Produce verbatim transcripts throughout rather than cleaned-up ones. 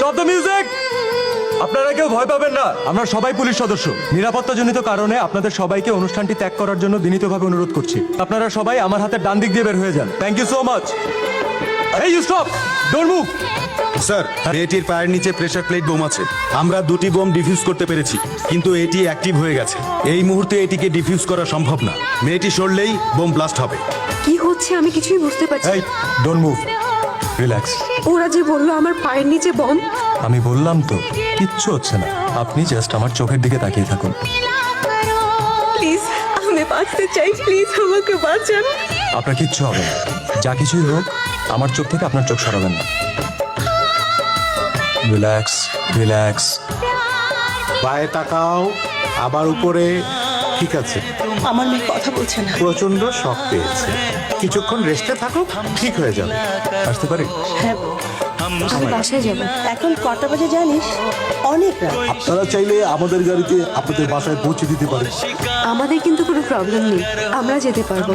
Stop the music. আপনারা কেউ ভয় পাবেন না, আমরা সবাই পুলিশ সদস্য। নিরাপত্তাজনিত কারণে আপনাদের সবাইকে অনুষ্ঠানটি ত্যাগ করার জন্য বিনীতভাবে অনুরোধ করছি। আপনারা সবাই আমার হাতের ডান দিক দিয়ে বের হয়ে যান। Thank you so much. এই you stop, don't move. Sir, মেয়েটির পায়ের নিচে প্রেসার প্লেট বোম আছে। আমরা দুটি বোম ডিফিউজ করতে পেরেছি, কিন্তু এটি অ্যাক্টিভ হয়ে গেছে। এই মুহূর্তে এটিকে ডিফিউজ করা সম্ভব না। মেয়েটি সরলেই বোম ব্লাস্ট হবে। কি হচ্ছে আমি কিছুই বুঝতে পারছি এই ডোন্ট মুভ, রিল্যাক্স। ওরা যে বললো আমার পায়ের নিচে বম। আমি বললাম তো কিচ্ছু হচ্ছে না, আপনি জাস্ট আমার চোখের দিকে তাকিয়ে থাকুন। প্লিজ আমি বাঁচতে চাই, প্লিজ আমাকে বাঁচান। আপনার কিচ্ছু হবে না, যা কিছুই হোক আমার চোখ থেকে আপনার চোখ সরাবেন না। Relax relax. পায়ে তাকাও, আবার উপরে। ঠিক আছে, আমার মেয়ে কথা বলছে না। প্রচন্ড শক পেয়েছে, কিছুক্ষণ রেস্টে থাকো, ঠিক হয়ে যাবে। আসতে পারি? হ্যাঁ, আমি বাসায় যাবো। এখন কটা বাজে জানিস? অনেক রাত। আপনারা চাইলে আমাদের গাড়িতে আপনাদের বাসায় পৌঁছে দিতে পারে। আমাদের কিন্তু কোনো প্রবলেম নেই, আমরা যেতে পারবো।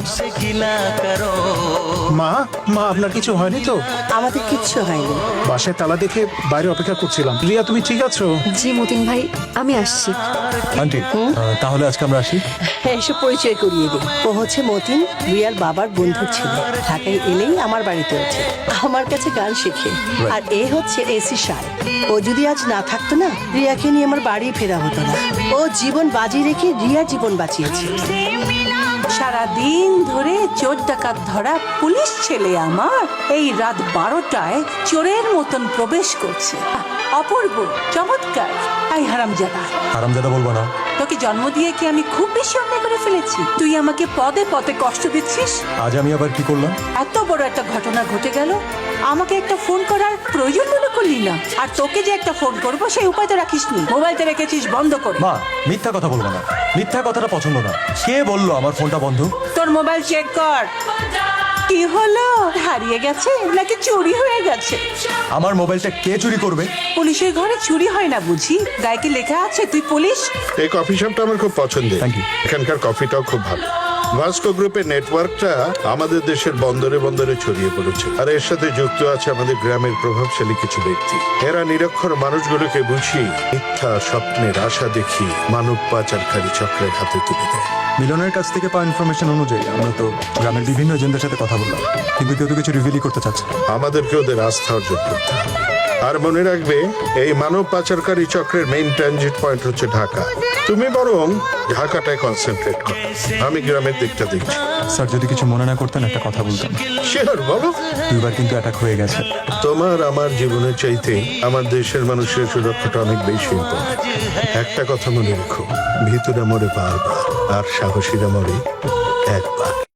মা মা আপনার কিছু হয়নি তো? আমাদের কিচ্ছু হয়নি। বাসায় তালা দেখে বাইরে অপেক্ষা করছিলাম। রিয়া, তুমি ঠিক আছো? জি মতিন ভাই, আমি আসছি। আন্টি আহ, তাহলে আজকে আমরা আসি। হ্যাঁ, এসে পরিচয় করিয়ে দিই। ও হচ্ছে মতিন, রিয়ার বাবার বন্ধুর ছেলে। ঢাকায় এলেই আমার বাড়িতে ওঠে, আমার কাছে গান শেখে। আর এ হচ্ছে এসি সার। ও যদি আজ না থাকতো না, রিয়াকে নিয়ে আমার বাড়ি ফেরা হতো না। ও জীবন বাজি রেখে রিয়ার জীবন বাঁচিয়েছে। সারা দিন ধরে চোর ডাকাত ধরা পুলিশ ছেলে আমার এই রাত বারোটায় চোরের মতন প্রবেশ করছে। আহ, অপূর্ব, চমৎকার। আই হারামজাদা, হারামজাদা বলবো না। তোকে জন্ম দিয়ে কি আমি খুব বেশি অন্যায় করে ফেলেছি? তুই আমাকে পদে পদে কষ্ট দিচ্ছিস। আজ আমি আবার কি করলাম? এত বড় একটা ঘটনা ঘটে গেল, আমাকে একটা ফোন করার প্রয়োজন মনে করলি না। আর তোকে যে একটা ফোন করবো সেই উপায় তো রাখিসনি, মোবাইলটা রেখেছিস বন্ধ করে। মা, মিথ্যা কথা বলবো না, মিথ্যা কথাটা পছন্দ না। কে বললো আমার ফোনটা বন্ধ? তোর মোবাইল চেক কর। কি হলো, হারিয়ে গেছে নাকি চুরি হয়ে গেছে? আমার মোবাইলটা কে চুরি করবে? পুলিশের ঘরে চুরি হয় না বুঝি? গায়ে কি লেখা আছে তুই পুলিশ? এই কফি শপটা আমার খুব পছন্দের। Thank you. এখানকার কফিটাও খুব ভালো। ভাস্কো গ্রুপের নেটওয়ার্কটা আমাদের দেশের বন্দরে বন্দরে ছড়িয়ে পড়েছে, আর এর সাথে যুক্ত আছে আমাদের গ্রামের প্রভাবশালী কিছু ব্যক্তি। এরা নিরক্ষর মানুষগুলোকে বুঝিয়ে মিথ্যা স্বপ্নের আশা দেখি মানব পাচারকারী চক্রের হাতে তুলে দেয়। মিলনের কাছ থেকে পাওয়া ইনফরমেশন অনুযায়ী আমরা তো গ্রামের বিভিন্ন এজেন্টদের সাথে কথা বললাম, কিন্তু কেউ তো কিছু রিভিলই করতে চাচ্ছে না। আমাদেরকে ওদের আস্থা অর্জন করতে হবে। আর মনে রাখবে, এই মানব পাচারকারী চক্রের মেইন ট্রানজিট পয়েন্ট হচ্ছে ঢাকা। তুমি বরং ঢাকাটায় কনসেন্ট্রেট করো, আমি গ্রামের দিকটা দেখছি। স্যার, যদি কিছু মনে না করতেন একটা কথা বলতাম। শিওর, বলো। দুইবার কিন্তু অ্যাটাক হয়ে গেছে। তোমার আমার জীবনের চাইতে আমার দেশের মানুষের সুরক্ষাটা অনেক বেশি ইম্পর্টেন্ট। একটা কথা মনে রেখো, ভিতরে মরে বারবার, আর সাহসীরা মরে এক